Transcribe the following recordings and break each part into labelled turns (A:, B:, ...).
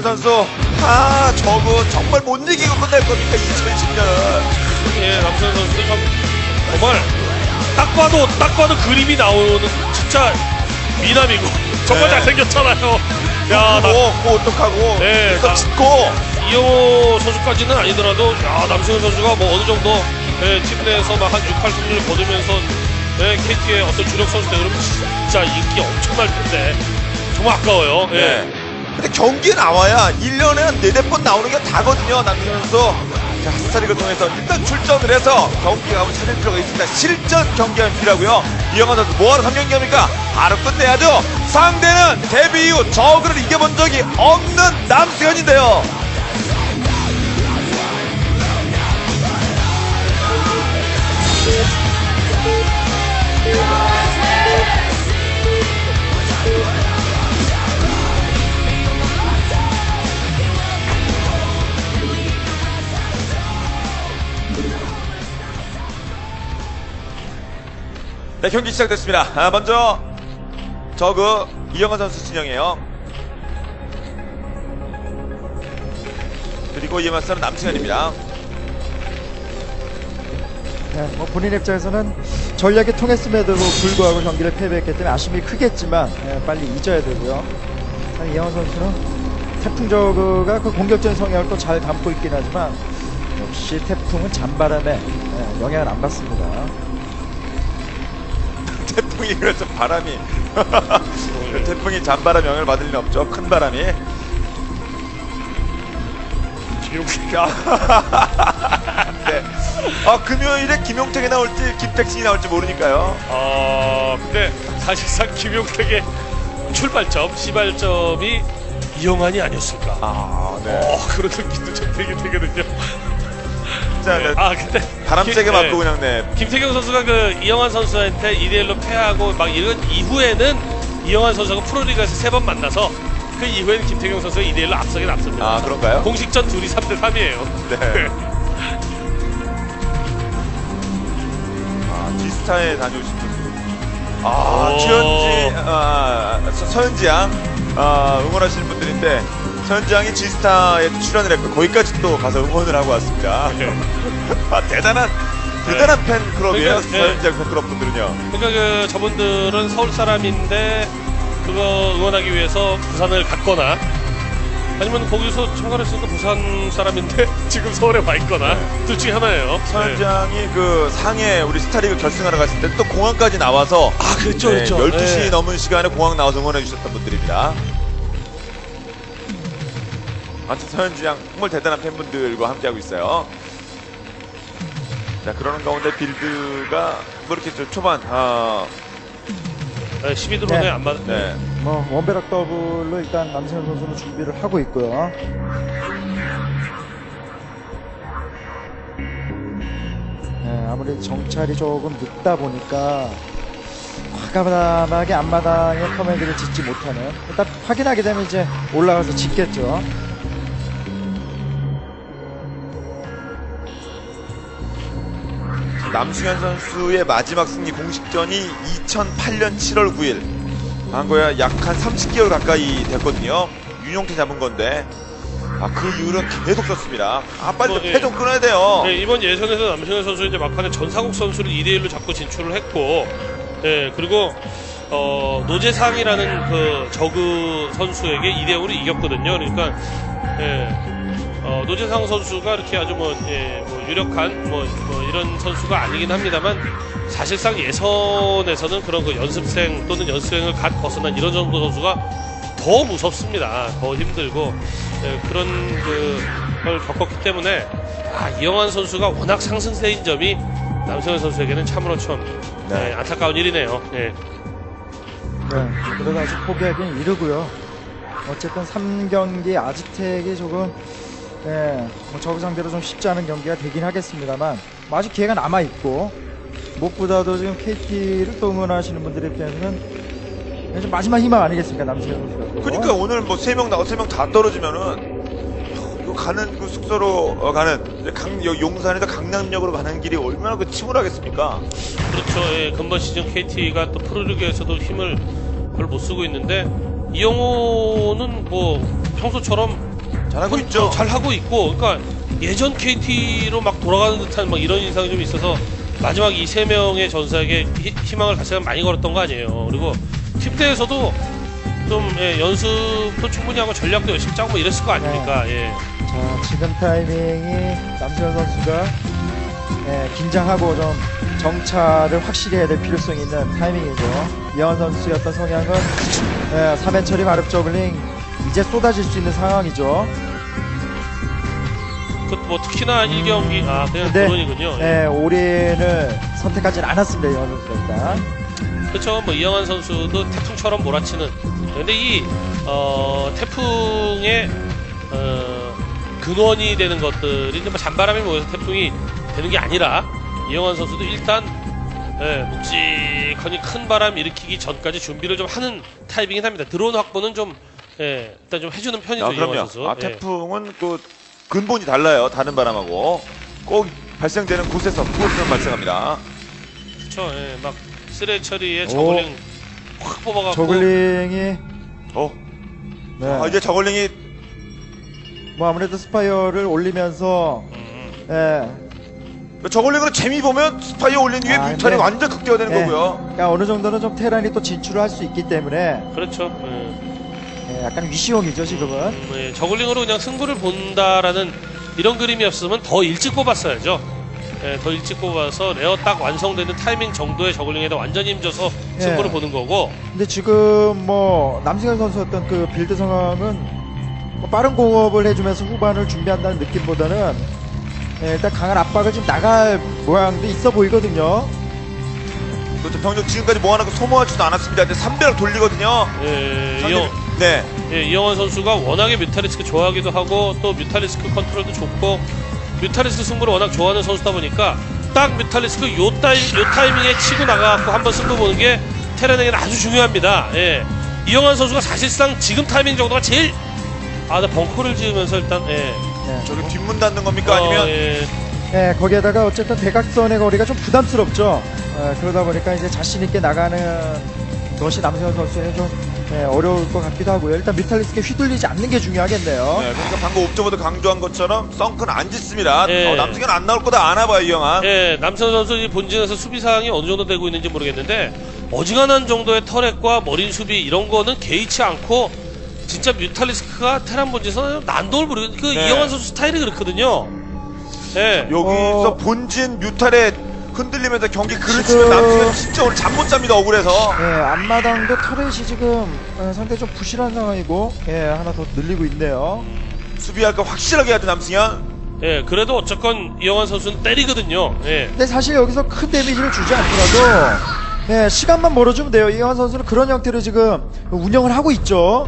A: 남승현 선수, 저거 정말 못 이기고 끝날 겁니까, 2010년은.
B: 예, 남승현 선수도 참 정말 딱 봐도 그림이 나오는 진짜 미남이고 정말
A: 네.
B: 잘생겼잖아요. 야,
A: 고 어떡하고,
B: 네,
A: 또 짚고.
B: 이영호 선수까지는 아니더라도 야, 남승현 선수가 뭐 어느 정도 팀 내에서 막 한 6, 8승리를 거두면서 KT의 어떤 주력 선수들 그러면 진짜 인기 엄청날 텐데 정말 아까워요. 예.
A: 네. 근데 경기에 나와야 1년에 한 4-4번 나오는 게 다거든요, 남승현 선수. 자, 스타리그 통해서 일단 출전을 해서 경기에 가면 찾을 필요가 있습니다. 실전 경기가 필요하고요. 이영환 선수 뭐하러 3경기 합니까? 바로 끝내야죠. 상대는 데뷔 이후 저그를 이겨본 적이 없는 남승현인데요. 네, 경기 시작됐습니다. 먼저 저그 이영환 선수 진영이에요. 그리고 이에 맞서는 남승현입니다.
C: 네, 뭐 본인 입장에서는 전략이 통했음에도 불구하고 경기를 패배했기 때문에 아쉬움이 크겠지만 빨리 잊어야 되고요. 이영환 선수는 태풍 저그가 그 공격적인 성향을 또 잘 담고 있긴 하지만 역시 태풍은 잔바람에 영향을 안 받습니다.
A: 태풍이 그래서 바람이 태풍이 잔바람 영향을 받을 리는 없죠. 큰 바람이. 네. 금요일에 김용택이 나올지 김택신이 나올지 모르니까요.
B: 근데 사실상 김용택의 출발점, 시발점이 이영환이 아니었을까.
A: 네.
B: 그런 느낌도 좀 들긴 되거든요.
A: 자,
B: 네.
A: 네.
B: 근데
A: 바람 세게 맞고 그냥 네.
B: 김태경 선수가 그 이영환 선수한테 2대1로 패하고 막 이런 이후에는 이영환 선수가 프로리그에서 3번 만나서 그 이후에는 김태경 선수가 2대1로 앞서긴 앞섭니다.
A: 그런가요?
B: 공식전 둘이 3대3이에요.
A: 네. 디스타에 다녀오신 분. 최현지, 서현지 양, 응원하시는 분들인데, 서현지 양이 지스타에 출연을 했고, 거기까지 또 가서 응원을 하고 왔습니다.
B: 네.
A: 대단한 팬클럽이에요,
B: 그러니까,
A: 서현지 양 팬클럽 분들은요.
B: 그러니까 그 저분들은 서울 사람인데 그거 응원하기 위해서 부산을 갔거나 아니면 거기서 참가를 했으니까 부산 사람인데 지금 서울에 와 있거나 둘 중에 하나예요.
A: 서현지 양이 그 상해 우리 스타리그 결승하러 갔을 때 또 공항까지 나와서
B: 그랬죠.
A: 12시 넘은 시간에 공항 나와서 응원해 주셨던 분들입니다. 아무튼 서현지 양 정말 대단한 팬분들과 함께하고 있어요. 자, 그러는 가운데 빌드가 뭐 이렇게 초반
B: 12드론에 안 맞.
A: 네.
C: 뭐 원베락 더블로 일단 남승현 선수는 준비를 하고 있고요. 네, 아무리 정찰이 조금 늦다 보니까 과감하게 앞마당에 커맨드를 짓지 못하는, 일단 확인하게 되면 이제 올라가서 짓겠죠.
A: 남승현 선수의 마지막 승리 공식전이 2008년 7월 9일. 한거야 약 한 30개월 가까이 됐거든요. 윤용태 잡은 건데. 그 이후로는 계속 썼습니다. 빨리 패 좀 끊어야 돼요.
B: 네, 이번 예선에서 남승현 선수 이제 막판에 전상욱 선수를 2대1로 잡고 진출을 했고, 그리고 노재상이라는 그 저그 선수에게 2대0으로 이겼거든요. 그러니까 노재상 선수가 이렇게 아주 뭐 유력한 이런 선수가 아니긴 합니다만, 사실상 예선에서는 그런 그 연습생 또는 연습생을 갓 벗어난 이런 정도 선수가 더 무섭습니다. 더 힘들고 그런 걸 겪었기 때문에 이영환 선수가 워낙 상승세인 점이 남승현 선수에게는 참으로 좀 안타까운 일이네요. 네.
C: 그래도 아직 포기하기는 이르고요. 어쨌든 3경기 아지텍이 조금 뭐 저그 상대로 좀 쉽지 않은 경기가 되긴 하겠습니다만, 아직 기회가 남아있고, 무엇보다도 지금 KT를 또 응원하시는 분들 입장에서는 좀 마지막 희망 아니겠습니까, 남승현 선수가.
A: 그러니까 오늘 뭐 3명 나고 3명 다 떨어지면은 이거 가는 그 숙소로 가는 용산에서 강남역으로 가는 길이 얼마나 그 침울하겠습니까?
B: 그렇죠. 근본 시즌 KT가 또 프로리그에서도 힘을 별로 못 쓰고 있는데, 이영호는 뭐 평소처럼
A: 잘하고 있죠.
B: 잘 하고 있고, 그러니까 예전 KT로 막 돌아가는 듯한 막 이런 인상이 좀 있어서 마지막 이 세 명의 전사에게 희망을 다시 한번 많이 걸었던 거 아니에요. 그리고 팀대에서도 좀 연습도 충분히 하고 전략도 열심히 짜고 뭐 이랬을 거 아닙니까? 예.
C: 자, 지금 타이밍이 남승현 선수가 긴장하고 좀 정찰을 확실히 해야 될 필요성이 있는 타이밍이죠. 이현 선수의 어떤 성향은 3회 처리 마릅 저글링 이제 쏟아질 수 있는 상황이죠.
B: 그 뭐 특히나 1경기 그냥
C: 근데
B: 드론이군요.
C: 올인을 선택하진 않았습니다. 이현 선수가 일단.
B: 그렇죠. 뭐 이영환 선수도 태풍처럼 몰아치는. 근데 이 태풍의 근원이 되는 것들이 뭐 잔바람이 모여서 태풍이 되는 게 아니라 이영환 선수도 일단 묵직하니 큰 바람 일으키기 전까지 준비를 좀 하는 타입이긴 합니다. 드론 확보는 좀 일단 좀 해주는 편이죠. 이영환 선수.
A: 그럼요. 태풍은 또 근본이 달라요. 다른 바람하고 꼭 발생되는 곳에서 그곳에서 발생합니다.
B: 그렇죠. 막 쓰레 처리에 저글링 확 뽑아갖고
C: 저글링이
A: 네. 이제 저글링이
C: 뭐 아무래도 스파이어를 올리면서
A: 저글링으로 재미 보면 스파이어 올린 뒤에 뮤탈이
C: 근데-
A: 완전 극대화되는 거고요.
C: 그러니까 어느 정도는 좀 테란이 또 진출을 할 수 있기 때문에
B: 그렇죠.
C: 약간 위시용이죠 지금은.
B: 저글링으로 그냥 승부를 본다라는 이런 그림이었으면 더 일찍 뽑았어야죠. 더 일찍 뽑아서 레어 딱 완성되는 타이밍 정도의 저글링에다 완전히 힘줘서 승부를 보는 거고.
C: 근데 지금 뭐 남승현 선수 어떤 그 빌드 상황은 뭐 빠른 공업을 해주면서 후반을 준비한다는 느낌보다는 일단 강한 압박을 좀 나갈 모양도 있어 보이거든요.
A: 그렇죠. 병력 지금까지 모아놓고 소모하지도 않았습니다. 근데 300을 돌리거든요. 네.
B: 이영환 선수가 워낙에 뮤탈리스크 좋아하기도 하고 또 뮤탈리스크 컨트롤도 좋고 뮤탈리스크 승부를 워낙 좋아하는 선수다 보니까 딱 뮤탈리스크 요 타이밍에 치고 나가고 한번 승부 보는 게 테란에게는 아주 중요합니다. 이영환 선수가 사실상 지금 타이밍 정도가 제일 나 벙커를 지으면서 일단
A: 저기 뒷문 닫는 겁니까? 아니면
C: 거기에다가 어쨌든 대각선의 거리가 좀 부담스럽죠. 그러다 보니까 이제 자신 있게 나가는 것이 남승현 선수는 좀 어려울 것 같기도 하고요. 일단 뮤탈리스크에 휘둘리지 않는 게 중요하겠네요.
A: 네, 그러니까 방금 옵저버도 강조한 것처럼 썬크는 안 짓습니다.
B: 예.
A: 남승현 안 나올 거다 아나 봐요, 이 영화.
B: 남승현 선수 이 본진에서 수비 상황이 어느 정도 되고 있는지 모르겠는데 어지간한 정도의 터렛과 머린 수비 이런 거는 개의치 않고 진짜 뮤탈리스크가 테란 본진에서 난도를 부리고 이영환 선수 스타일이 그렇거든요.
A: 여기서 본진 뮤탈에 흔들리면서 경기 그르치면
C: 지금-
A: 남승현 진짜 오늘 잠 못 잡니다, 억울해서.
C: 앞마당도 터렛이 지금 상당히 좀 부실한 상황이고 하나 더 늘리고 있네요.
A: 수비할 거 확실하게 해야 돼, 남승현.
B: 그래도 어쨌건 이영환 선수는 때리거든요.
C: 근데 사실 여기서 큰 데미지를 주지 않더라도 시간만 벌어주면 돼요. 이영환 선수는 그런 형태로 지금 운영을 하고 있죠.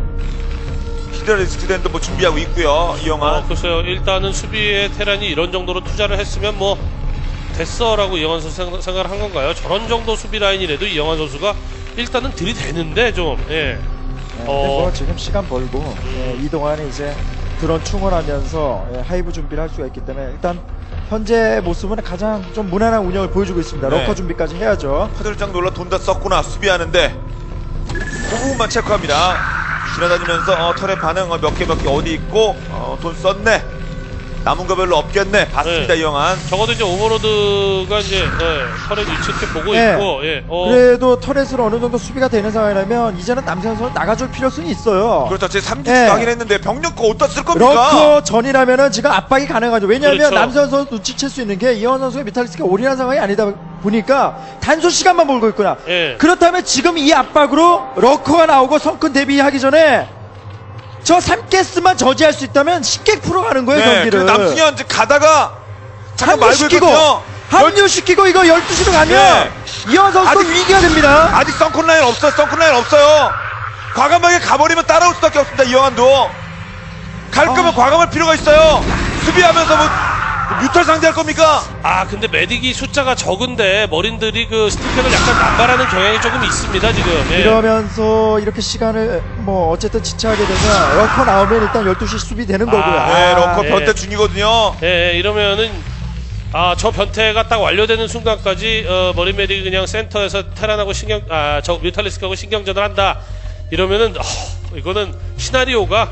A: 히드라리스크랜도 뭐 준비하고 있고요, 이 영화.
B: 글쎄요. 일단은 수비에 테란이 이런 정도로 투자를 했으면 뭐 됐어라고 이영환 선수 생각을 한 건가요? 저런 정도 수비 라인이라도 이영환 선수가 일단은 들이대는데 좀
C: 근데 뭐 지금 시간 벌고 이 동안에 이제 드론 충원하면서 하이브 준비를 할 수가 있기 때문에 일단 현재 모습은 가장 좀 무난한 운영을 보여주고 있습니다.
A: 네.
C: 러커 준비까지 해야죠.
A: 화들짝 놀라 돈 다 썼구나 수비하는데 그 부분만 체크합니다. 지나다니면서 털의 반응 몇 개 어디 있고 돈 썼네, 남은 거 별로 없겠네 봤습니다. 이 영화.
B: 적어도 이제 오버로드가 이제 털의 위치 이렇게 보고 있고
C: 그래도 터렛으로 어느 정도 수비가 되는 상황이라면 이제는 남승현 선수 나가줄 필요성이 있어요.
A: 그렇죠. 제 3기수 하긴 했는데 병력 거 어디다 쓸 겁니까?
C: 러커 전이라면 지금 압박이 가능하죠. 왜냐하면
B: 그렇죠.
C: 남승현 선수 눈치챌 수 있는 게 이현 선수의 뮤탈리스크가 올인한 상황이 아니다 보니까 단순 시간만 벌고 있구나. 그렇다면 지금 이 압박으로 러커가 나오고 성큰 대비하기 전에 저 3개스만 저지할 수 있다면 쉽게 풀어가는 거예요, 경기를.
A: 남승현 이제 가다가 잠깐 말고
C: 합류시키고
A: 있거든요.
C: 합류시키고 이거 12시로 가면 이현 선수 위기가 됩니다.
A: 아직 썬큰 라인 없어요. 과감하게 가버리면 따라올 수밖에 없습니다. 이영환도 갈 거면 과감할 필요가 있어요. 수비하면서 뭐 뮤탈 상대할 겁니까?
B: 근데 메딕이 숫자가 적은데 머린들이 그 스티커를 약간 남발하는 경향이 조금 있습니다 지금.
C: 이러면서 이렇게 시간을 뭐 어쨌든 지체하게 되면 러커 나오면 일단 12시 수비 되는 거고요.
A: 네, 러커 변태 중이거든요.
B: 이러면은 저 변태가 딱 완료되는 순간까지 머린 메딕이 그냥 센터에서 테란하고 저 뮤탈리스크하고 신경전을 한다. 이러면은 이거는 시나리오가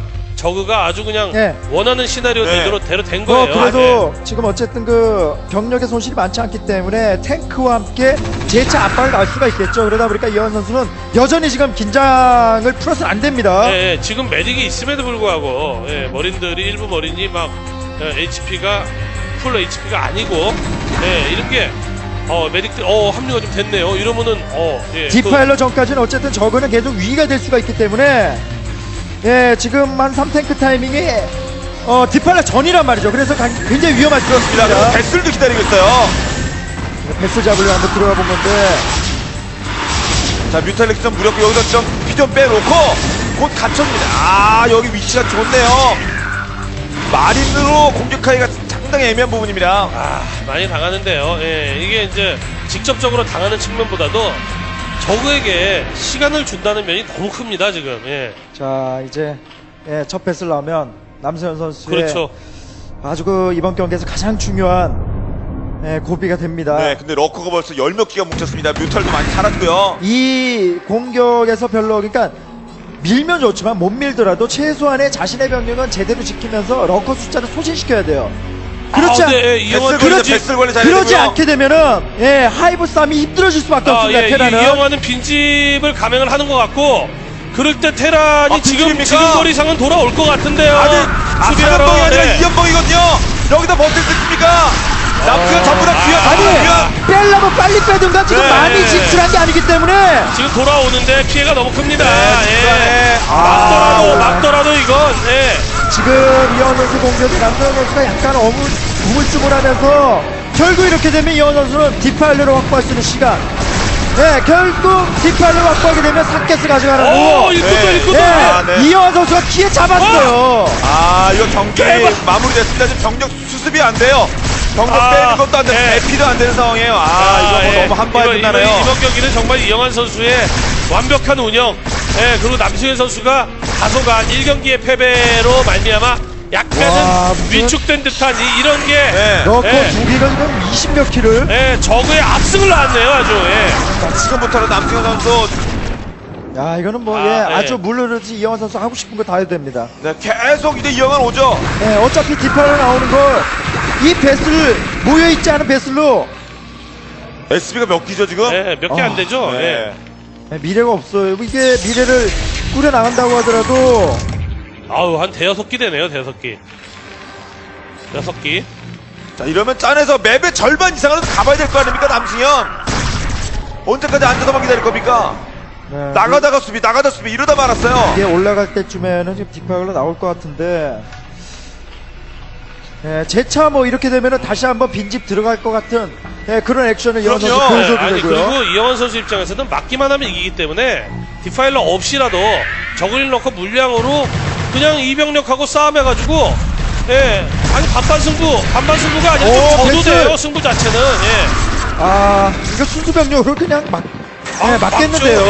B: 저그가 아주 그냥
C: 네.
B: 원하는 시나리오
A: 네.
B: 대로 된 거예요.
C: 그래도 지금 어쨌든 그 병력의 손실이 많지 않기 때문에 탱크와 함께 재차 압박을 갈 수가 있겠죠. 그러다 보니까 이현 선수는 여전히 지금 긴장을 풀어서는 안 됩니다.
B: 예, 지금 메딕이 있음에도 불구하고 예, 머린들이 일부 머린이 막 HP가 풀 HP가 아니고 이렇게 메딕들 합류가 좀 됐네요. 이러면은 예,
C: 디파일러 전까지는 어쨌든 저거는 계속 위기가 될 수가 있기 때문에 지금 한 3탱크 타이밍이 디파일러 전이란 말이죠. 그래서 굉장히 위험할 수
A: 그렇습니다.
C: 있습니다.
A: 배슬도 기다리고 있어요.
C: 패스 잡으려 한번 들어가 본 건데
A: 자, 뮤탈렉스 좀 무력고 여기서 좀 피 좀 빼놓고 곧 갇혔습니다. 여기 위치가 좋네요. 마린으로 공격하기가 상당히 애매한 부분입니다.
B: 많이 당하는데요. 예, 이게 이제 직접적으로 당하는 측면보다도 저그에게 시간을 준다는 면이 너무 큽니다 지금. 예.
C: 자 이제 첫 패스를 나오면 남서현 선수의
B: 그렇죠.
C: 아주 그 이번 경기에서 가장 중요한 고비가 됩니다.
A: 네, 근데 러커가 벌써 10몇 기가 뭉쳤습니다. 뮤탈도 많이 살았고요.
C: 이 공격에서 별로 그러니까 밀면 좋지만 못 밀더라도 최소한의 자신의 병력은 제대로 지키면서 러커 숫자를 소진시켜야 돼요. 그렇지
A: 배슬 관리 잘해야
C: 그러지
A: 되고요.
C: 않게 되면은 하이브 싸움이 힘들어질 수밖에 없습니다. 테라는
B: 이영화는 빈집을 감행을 하는 것 같고 그럴 때 테란이 지금
A: 빈집입니까?
B: 거리상은 돌아올 것 같은데요.
A: 사연봉이 아니라 이연봉이거든요. 여기다 버틸 수 있습니까? 남편 전부 다 귀한.
C: 빼려면 빨리 빼든가 지금
A: 네.
C: 많이 진출한 게 아니기 때문에
B: 지금 돌아오는데 피해가 너무 큽니다.
A: 네.
B: 막더라도 이건
C: 지금 이현 선수 공격에 남서현 선수가 약간 우물쭈물하면서 결국 이렇게 되면 이현 선수는 디파일러를 확보할 수 있는 시간. 결국 디파일러를 확보하게 되면 사켓을 가져가는 거고.
B: 일꾼도
C: 이현 선수가 기회 잡았어요.
A: 이거 경기 마무리됐습니다. 지금 병력 수습이 안 돼요. 병력 빼는 것도 안 되고 대피도 안 되는 상황이에요. 이거 뭐 너무 한바에 끝나네요.
B: 이번 경기는 정말 이영환 선수의 완벽한 운영. 그리고 남승현 선수가 다소간 1경기의 패배로 말미암아 약간은 위축된 듯한 이런 게
C: 러커 두 개가 지금 20몇 킬을.
B: 저그의 압승을 낳았네요, 아주.
A: 자, 지금부터는 남승현 선수
C: 이거는 뭐 아주 물르르지 이영환 선수 하고 싶은 거 다 해도 됩니다.
A: 계속 이제 이영환 오죠.
C: 어차피 디파일러 나오는 걸 이 배슬 모여있지 않은 배슬로
A: SB가 몇 기죠 지금?
B: 몇 개 안 되죠.
C: 미래가 없어요. 이게 미래를 꾸려 나간다고 하더라도
B: 한 대여섯 기 되네요, 대여섯 기. 6기.
A: 자, 이러면 짠해서 맵의 절반 이상은 가봐야 될 거 아닙니까 남승현? 언제까지 앉아서만 기다릴 겁니까? 나가다가 수비 이러다 말았어요.
C: 이게 올라갈 때쯤에는 지금 디파일러 나올 것 같은데 재차 뭐 이렇게 되면은 다시 한번 빈집 들어갈 것 같은 그런 액션을 이현 선수 보여줘도 되고요.
B: 그리고 이영환 선수 입장에서는 막기만 하면 이기기 때문에 디파일러 없이라도 저글링 넣고 물량으로 그냥 이병력하고 싸움해가지고 반반 승부가 아니라 좀 져도 돼요, 승부 자체는.
C: 이거 순수 병력으로 그냥 맞겠는데요.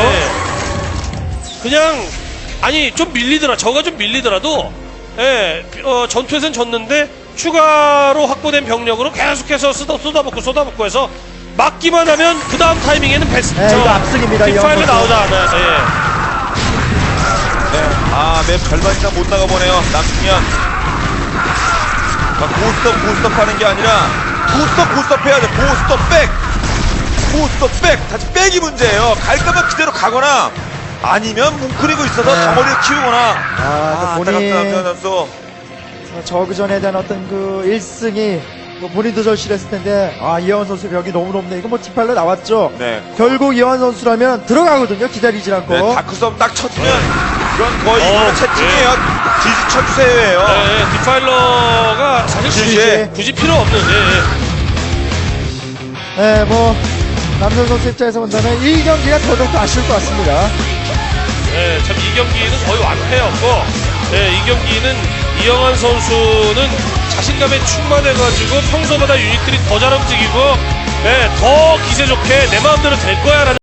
B: 그냥 좀 밀리더라. 저가 좀 밀리더라도 전투에선 졌는데 추가로 확보된 병력으로 계속해서 쏟아붓고 해서 막기만 하면 그 다음 타이밍에는
C: 이거 압승입니다.
B: 디파일러 나오다 않아서.
A: 맵 절반 이상 못 나가보네요 남승현. 고스톱 하는 게 아니라 고스톱 해야죠. 고스톱 백 다시 백이 문제예요. 갈 거면 그대로 가거나 아니면 뭉클이고 있어서 덩어리를 키우거나.
C: 본인
A: 남승현 선수
C: 저그전에 대한 어떤 그 1승이 본인도 절실했을 텐데 이영환 선수 벽이 너무 높네. 이거 뭐 디파일러 나왔죠. 결국 이영환 선수라면 들어가거든요. 기다리지 않고.
A: 다크섬 딱 쳐주면 이건 거의 이거는 채팅이에요. 지지 쳐주세요예요.
B: 디파일러가 사실 굳이 필요 없는.
C: 뭐 남선 선수 입장에서 본다면 1경기가 더더욱 아쉬울 것 같습니다.
B: 참 이 경기는 거의 완패였고 이 경기는 이영환 선수는 자신감에 충만해가지고 평소보다 유닛들이 더 잘 움직이고 더 기세 좋게 내 마음대로 될 거야 라는